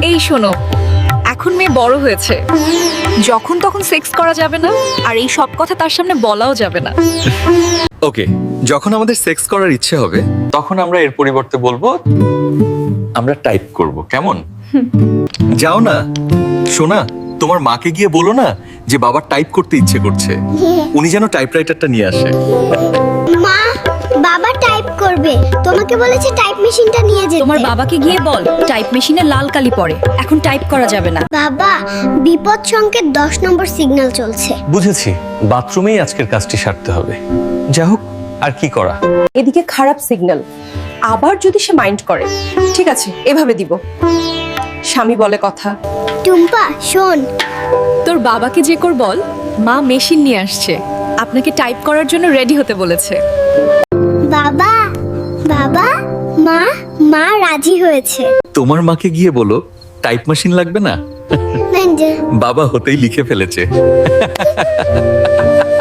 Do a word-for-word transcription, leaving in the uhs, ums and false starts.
এই শোনো, এখন মেয়ে বড় হয়েছে, যখন তখন সেক্স করা যাবে না, আর এই সব কথা তার সামনে বলাও যাবে না। ওকে, যখন আমাদের সেক্স করার ইচ্ছে হবে তখন আমরা এর পরিবর্তে বলবো আমরা টাইপ করব, কেমন? যাও না সোনা, তোমার মাকে গিয়ে বলো না যে বাবা টাইপ করতে ইচ্ছে করছে, উনি যেন টাইপরাইটারটা নিয়ে আসে। মা, বাবা টাইপ করবে, তোমাকে বলেছে টাইপ মেশিনটা নিয়ে যেতে। তোমার বাবাকে গিয়ে বল টাইপ মেশিনে লাল কালি পড়ে, এখন টাইপ করা যাবে না। বাবা, বিপদ সংকেত দশ নম্বর সিগন্যাল চলছে। বুঝেছি, বাথরুমেই আজকের কাজটি সারতে হবে। যা হোক, আর কি করা। এদিকে খারাপ সিগন্যাল, আবার যদি সে মাইন্ড করে, ঠিক আছে এভাবে দিব। স্বামী বলে কথা। টুম্পা শোন, তোর বাবাকে যে কর বল মা মেশিন নিয়ে আসছে, আপনাকে টাইপ করার জন্য রেডি হতে বলেছে। বাবা বাবা মা মা রাজি হয়েছে। তোমার মাকে গিয়ে বলো টাইপ মেশিন লাগবে না, না, যে- বাবা হতেই লিখে ফেলেছে।